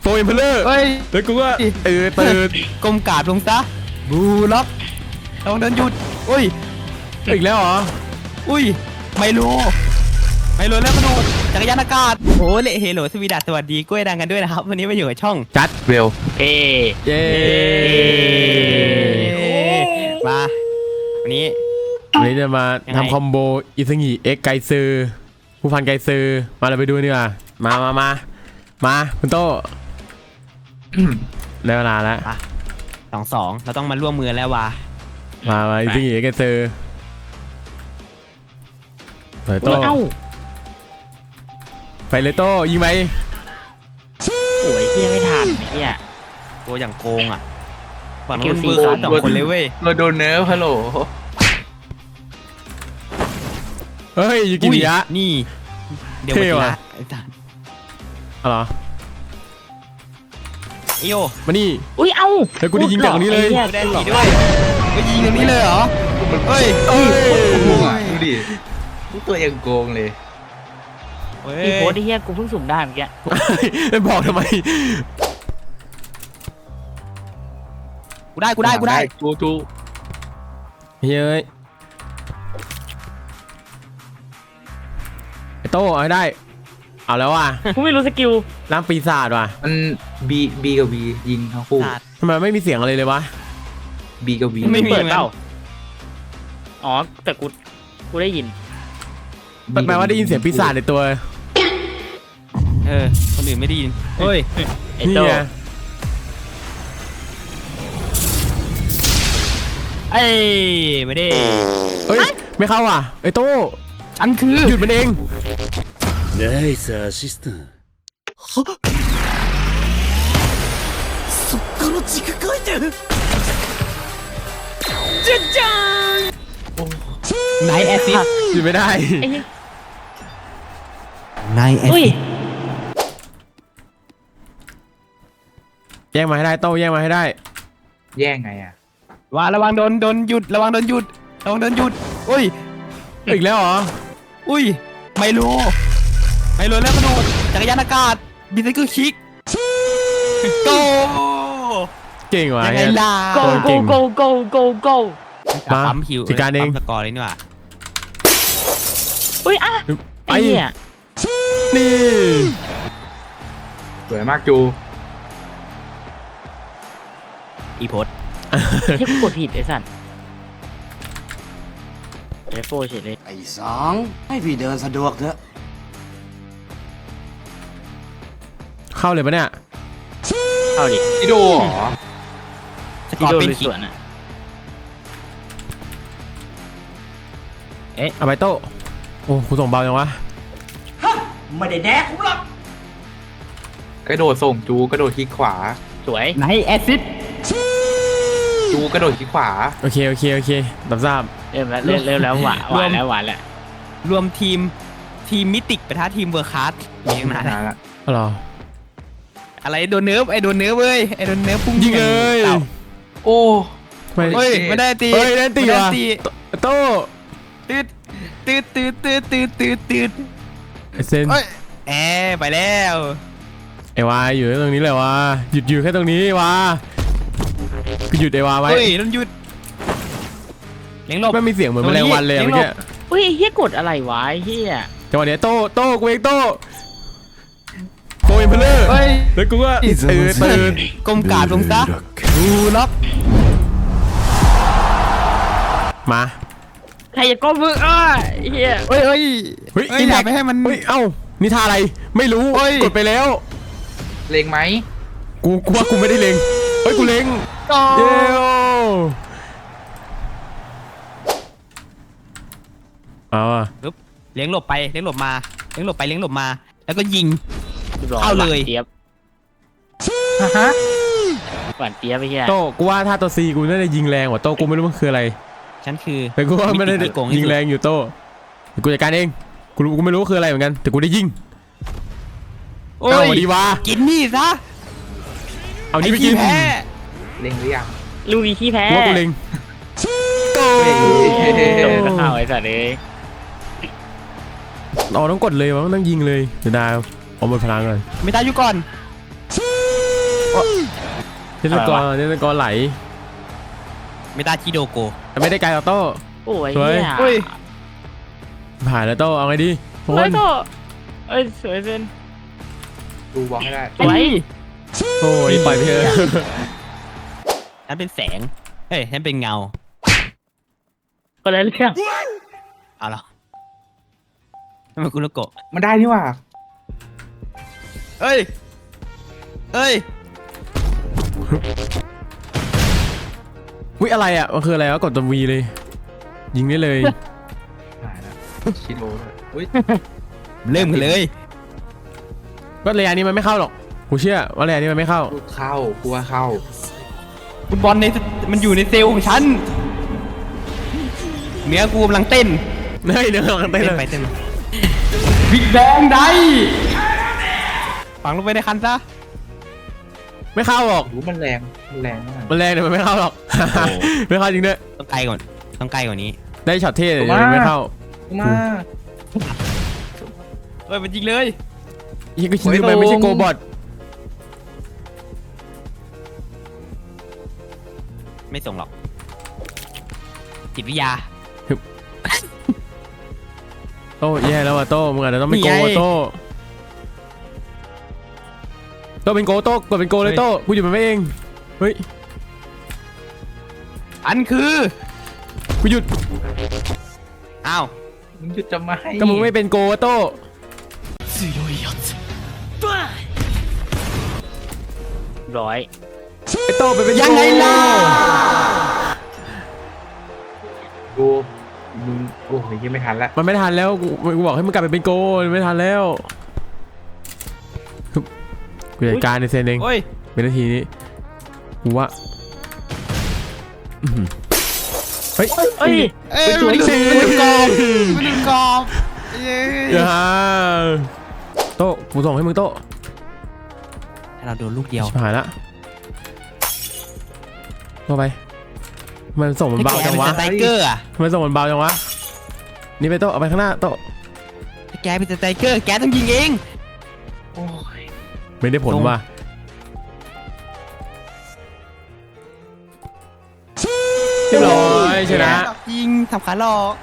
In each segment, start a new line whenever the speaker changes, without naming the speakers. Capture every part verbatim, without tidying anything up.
โฟอิมเพลเลอร์
เฮ้ย
แล้วกูก็เออตื่น
ก้มกราบลงซะบูล็อกลองเดินหยุดอุ้ย
อีกแล้วเหรอ
อุ้ยไมโลไมโลแล้วมาดูจักรยานอากาศโอ้เละเฮโลสวีดัสสวัสดีกล้วยดังกันด้วยนะครับวันนี้มาอยู่กับช่อง
จัด
เวล
เอ
เย้
มาวันนี้
วันนี้จะมา
ยังไง
ทำคอมโบอิซึงิเอ็กไกซือผู้พันไกซือมาเราไปดูดีกว่ามามามามาคุณโต้ได้เวลาแล้ว
สองสองเราต้องมาร่วมมือแล้ววะ
มามาอิซึงิเอ็กไกซือไปโต้
เอ้า
ไปเลยโต้ยิงไหม
โอ้ยเฮียไม่ทันเฮีย
โกอย่างโกงอ่ะฝั่ง
คิ
นู้
วน สี่
มือขาดสองคนเลยเว้ย
เราโดนเนิร์ฟฮัลโหล
เฮ้ยยูกิมิยะ
นี่เดี๋ยว
เท่
มาที
ว่ะ
ละไอ้สัส
เอาเหรอ
ไอโย
มานี่
อุ้ยเอ้า
เฮ้ยกูได้ยิงจากตรงนี้เลย
ไอ้หี้
ได้สีด้วยไปยิงตรงนี้เลยเหรอเฮ้ย
เอ้ย
ดูดิทุกตัวยังโกงเลย
เฮ้ย
พี่โพสไอ้เฮียกูเพิ่งสุ่มได้เมื่อกี้
ไม่บอกทำไม
กูได้กูได้กูได้
จูจู
เฮ้ยไอโต้เอาให้ได้เอาแล้วว่ะ
กูไม่รู้สกิล
ร่างปีศาจว่ะ
มันบีบีกับบียิงทั้งคู่
สัตว์
ทำไมไม่มีเสียงอะไรเลยวะ
บีกับบี
ไม่มี
เปิดเปล่าอ๋อแต่กูกูได้ยิน
แปลว่าได้ยินเสียงปีศาจในตัว
เออคนอื่นไม่ได้ยินเฮ้ย
ไอ้
นี่
โต้
ไง
ไอ้ไม่ได้
เฮ้ยไม่เข้าว่ะไอโต้
ฉันคือ
หยุดมันเอง
ナイスアシスタント。
ไนแอซิด
หยุดไม่ได้
ไอ้เหี้ย
ไนแอ
อุ้ย
ซิด
แย่งมาให้ได้โต้แย่งมาให้ได้
แย่งไงอ่ะ
ว่าระวังโดนโดนหยุดระวังโดนหยุดระวังโดนหยุดอุ้ย
อีกแล้วเหรอ
อุ้ยไมโลไมโลแล้วมาดูจักรยานอากาศบินไซเคิลชิกโก
เก่งว่ะ
ยังไง
เนี่ย
ล่ะ
โกโกโกโกโกโก
มา
ปั๊มคิว
จัดการเอง
ปั๊มสกอร์เลยนี่หว่า
อุ้ยอ่ะ
ไป
ไอ้เหี้ย
นี่
สวยมากจู
อีโพส
ที่กูกดผิดไอ้สัตว์เอฟโฟเฉยเลย
ไอ้สองให้พี่เดินสะดวกเถอะ
เข้าเลยปะเนี่ย
เข้าดิ
อีโดเหรอ
สก
ที่
อร์
โดน
เป็น
ลุย
คิ
ส
ก
วนอ่ะ
เอาไปโต้โอ้กูส่งเบาจังวะ
กระโดดส่งจูกระโดดคลิกขวา
สวย
ไนแอซิด
จูกระโดดคลิกขวา
โอเคโอเคโอเครับทราบ
เริ่มแล้วเริ่มเริ่มแล้วหวานหวานแล้วหวานแล้ว
รวมทีมทีมมิติกปะทะทีมเวอร์คัสมีตั้งนาน
นานละ
เอาเหรอ
อะไรโดนเนิร์ฟไอ้โดนเนิร์ฟเว้ยไอ้โดนเนิร์ฟพุ่ง
ยิงเลย
ต่า
โอ้
ไม่
เฮ้ยไม่ได้ตี
เฮ้ยได้ตี
ไม่
ว่ะ
ตี
โต้
ตืดตืดตืดตืดตืดตืดตืด
ไอเซน
เฮ้ยแอร์ไปแล้ว
ไอวาอยู่ตรงนี้เลยวะหยุดอยู่แค่ตรงนี้วะกูหยุดไอวาไว้
เฮ้ยต้องหยุดเลี้ยงหลบ
ไม่มีเสียงเหมือนแมลงวันเลยอะ
เลี้
เมื่
ย
อง
หล
กี้
บ
อุ้ยไอ้เฮียกดอะไรวะไอ้เฮีย
จังหวะเนี้ยโต้โต้กูเองโต้โฟอิมเพลเลอร์
เฮ้ย
แล้วกูก็เออตื่น
ก้มกราบลงซะบูล็อก
มา
ใครจะก้มมืออ้าไอ้เฮีย
เฮ้ยเฮ้ย
เฮ้ย
เฮ้ยอย่าไปให้มัน
เฮ้ยเอ้านี่ท่าอะไรไม่รู้
เฮ้ย
กดไปแล้ว
เล็งไหม
กูกูว่ากูไม่ได้เล็งเฮ้ยกูเล็ง
ก็
เย้เอาอะ
เลี้ยงหลบไปเลี้ยงหลบมาเลี้ยงหลบไปเลี้ยงหลบมา แล้วก็ยิง
ร้
เอาเลย
หวานเจี๊ยบ
ฮะ
หวานเจี๊ยบไอ้เฮีย
โต้กูว่าถ้าตัวซีกูน่าจะยิงแรงกว่าโต้กูไม่รู้มันคืออะไร
ฉันคือ
แต่กูว่าไม่ได้
มิติที่โกงที่สุด
ยิงแรงอยู่โต้เดี๋ยวกูจัดการเองกูรู้กูไม่รู้ว่าคืออะไรเหมือนกันแต่กูได้ยิง
โอ้
เอา
ย
ดีวะ
กินนี่ซะ
เอานี่ไปกิน
อ้ขี้แพ้
เล็งหรือยัง
ลูกนี้ขี้แพ้
กูว่ากูเล็งโต้
เฮ้ย
โดนข้าวไอ้สัตว์เลย
เราต้องกดเลยวะมันต้องยิงเลยเดี๋ยวดาวเอาหมดพลังก่อน
ไม่ตายอยู่ก่อน
โเทสกอร์เทสกอร์ไหล
เมตาจิโดโก
แต่ไม่ได้ไกลออโต้
โอ้ย
สวย
เหี้ย
อุ้ย
ผ่านแล้วโต้เอาไงดีทุก
ส
ค
วย
น
โตเอ้ยสวยเซน
ดูบล็อกให้ได้
สวย
โอ้ยปล่อยไปเถอะ
ฉันเป็นแสงเฮ้ยฉันเป็นเงา
ก็เลยเรื่อง
เอาเหรอทำไมกุโลโกะ
มันได้นี่หว่า
เฮ้ยเฮ้ย
วิอะไรอ่ะมันคืออะไรวะกดตัววีเลย ยิงได้เลย
หายแล้วชิโร่ด้วยอุ้ย
เริ่มกันเลย
ก็ระยะนี้มันไม่เข้าหรอกกูเชื่อว่าระยะนี้มันไม่เข้า
กูเข้ากูว่าเข้า
ฟุตบอลในมันอยู่ในเซลล์ของฉันเนื้อกูกำลังเต้น
เฮ้ยเดี๋ยวเราเต้น
เต้น
เล
ไป
ย
เต้นมาบิ๊กแบงได้ฝังลงไปในคันซะ
ไม่เข้าหรอก
รู้มันแรงมันแรงมาก
มันแรงแต่มันไม่เข้าหรอก ไม่เข้าจริงด้วย
ต้องไกลก่อนต้องไกลกว่านี้
ได้ช็อตเท่แต่ยังไม่เข้า
มา
เฮ้ยมันยิงเลย
ยี่ก็ชินไปไม่ใช่โกบอท
ไม่ส่งหรอกจิตวิทยา
โต้แย่แล้วว่ะโต้มึงอาจจะต้องเป็นโก
นี่ไง
ว่ะโต้โต้เป็นโกโต้กดเป็นโกเลยโต้กูอยู่มันไม่เองเฮ้ย
อันคือ
กูหยุด
อ้าว
มึงหยุดจะมาให้
ก็มึงไม่เป็นโกว่ะโต้
ร้อย
ไอ้โต้ไปเป็นโก
ยังไงล่ะ
กูมึงโอ้ยยังไม่ทันละ
มันไม่ทันแล้วกูกูบอกให้มึงกลับไปเป็นโกมันไม่ทันแล้วฮึบกูจัดการในเซนเอง
โอ้ย
เป็นนาทีนี้กูว่าอื้อหือเฮ้ย
เอ้ย
เอ้ยมันหลุดมันหลุดกรอบมันหลุดกรอบเย้
อย่าโต้กูส่งให้มึงโต้
ถ้าเราโดนลูกเดียว
ชิบหายละโต้ไปมันส่งมันเบาจังวะ
ถ้าแกเป็นสไตรเกอร์อะ
มันส่งมันเบาจังวะนี่ไปโต้เอาไปข้างหน้าโต้
ถ้าแกเป็นสไตรเกอร์แกต้องยิงเอง
โอ้ย
ไม่ได้ผลว่ะเรียบร้อยชนะ
ยิงทำขาหลอก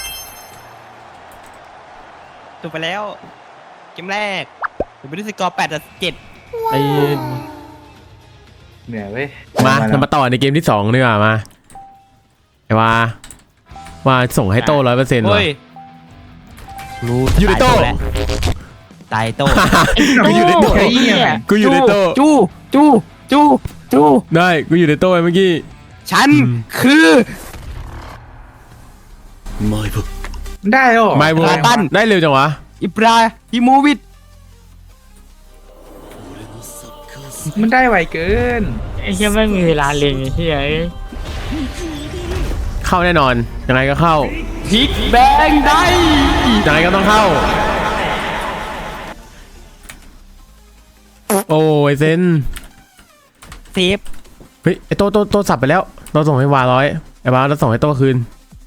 จบไปแล้วเกมแรกจบไปด้วยสกอร์แปดต่อเจ็ด
ไอ้
เหนื่อยเว้ย
มาเรามาต่อในเกมที่สองดีกว่ามาไอ้ว่าว่าส่งให้โต้ร้อยเปอร์เซ็นต์ว่ะ
เฮ้ยรู้
อยู่ในโต้
ตายโต้
กูอยู่ในโต้
ไอ้เหี้ย
กูอยู่ในโต้
จู้จู้จู้จู้
ได้กูอยู่ในโต้เมื่อกี้
ฉัน
อืม
คือ
My book.
มันได้เหรอ
ไม่บู
ลาตัน
ได้เร็วจังวะ
อิบราฮิโมวิช
มันได้ไวเกิน
ไอ้เหี้ยไม่มีเวลาเล่นไอ้เหี้ยเอ้ย
เข้าแน่นอนยังไงก็เข้า
พิกแบงได้
ยังไงก็ต้องเข้าโอ้ยเซน
เซฟ
เฮ้ยไอโต้โต้โต้สับไปแล้วเราส่งให้วาร้อยไอ้วาเราส่งให้โต้คืน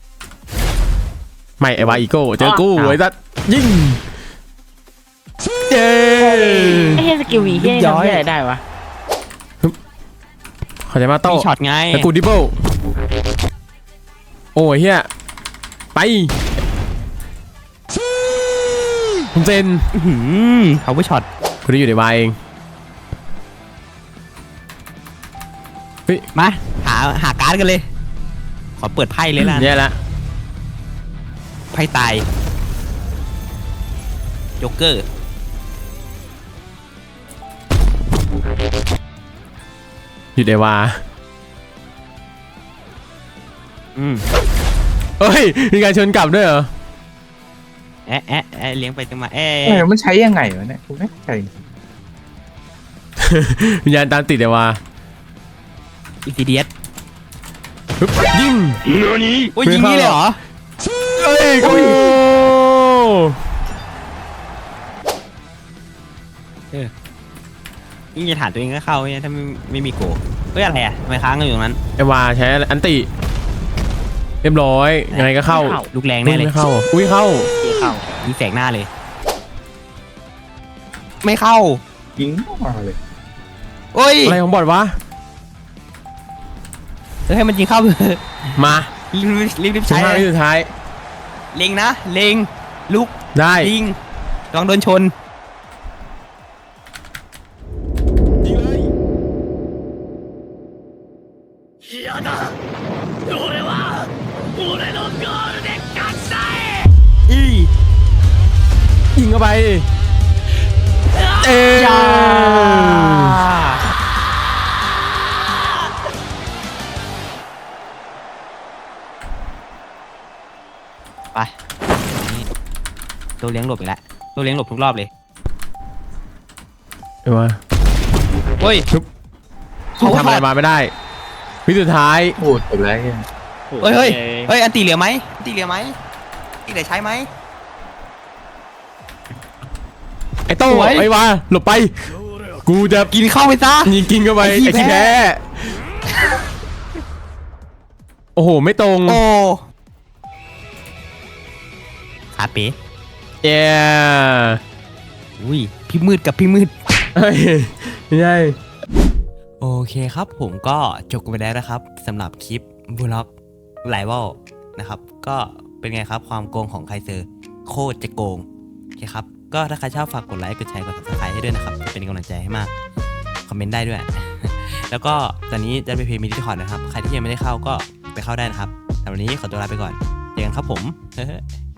ไม่ไอ้วาอีโก้เจอกู้ไอ้สัสยิงเย้
ไอ้เหี้ยสกิลวีเหี้ยทำเหี้ยอะไรได้วะ
เข้าใจมาโต้
มีช็อตไง
แล้วกูดิเบิลโอ้ยเฮียไปคุณเซน
อื้อหืมเขาไปช็อต
กูได้อยู่ในวายเอง
มาหาหาการ์ดกันเลย ขอเปิดไพ่เลยล่ะ
แย่ละ
ไพ่ตายโจ๊กเกอร์
อยู่ในวา
อืม
เฮ้ยมีการชนกลับด้วยเหรอ
แอะแอะแอะเลี้ยงไปจังมาแอะ
เออมันใช้ยังไงวะเนี่ยกูไม่เข้าใจ
วิญญาณตามติดในวา
อินซิเดียส
ปึ๊บยิง
โอ้ยยิงนี่เลยเหรอ
เอ้ยกู
ยิงจะฐานตัวเองก็เข้าเนี่ยถ้าไม่ไม่มีโกเฮ้ยอะไรอ่ะทำไมค้างกันอยู่ตรงนั้น
ไอวาใช้อันติเรียบร้อยยังไงก็เข้า
ลูกแรงแน่เลย
ไม่เข้าอุ้ยเข้า
เหี้ยเข้า
ยิงแสกหน้าเลย ไม่เข้า
ยิงออกมาเลย
โอ้ย
อะไรของบอดวะ
อให้มันยิงเข้า
มา
รีบรีบรีบ
สิบ
ใช้
ห้า
เล
วิ
ย
สุดท้าย
เล็งนะเล็งลุก
ได้
ยิงระวังโดนชน
ยิงเลย
อี
ยิงเข้าไปเอ้ย
ยาไปนี่ตัวเลี้ยงหลบอีกแล้วตัวเลี้ยงหลบทุกรอบเลย
เอ้ยวะ
เฮ้ย
ทำอะไรมาไม่ได้ วิสุดท้าย
โอ้จบแล้วไอ้เหี้ย
เฮ้ยเฮ้ยเฮ้ยอันตีเหลือไหมอันตีเหลือไหมอันตีเหลือใช้ไหม
ไอ้โต้
สวย
ไอ้วะหลบไป กูจะ
กินเข้าไปซะ
ยิงกินเข้าไป
ไอ้ขี้
ไอ้ขี้
แพ้
แพ้โอ้โห ไม่ตรง
โอ้ขาเป๋
เย้
อุ้ยพี่มืดกับพี่มืด
เฮ้ยไม่ใช่
โอเคครับผมก็จบกันไปแล้วนะครับสำหรับคลิปบูล็อกไลวอลนะครับก็เป็นไงครับความโกงของไคเซอร์โคตรจะโกงโอเคครับก็ถ้าใครชอบฝากกดไลค์กดแชร์กด ซับสไครบ์ ให้ด้วยนะครับจะเป็นกำลังใจให้มากคอมเมนต์ได้ด้วย แล้วก็ตอนนี้จะไปเพย์มีดิสคอร์ดนะครับใครที่ยังไม่ได้เข้าก็ไปเข้าได้นะครับแต่วันนี้ขอตัวลาไปก่อนเจอกันครับผม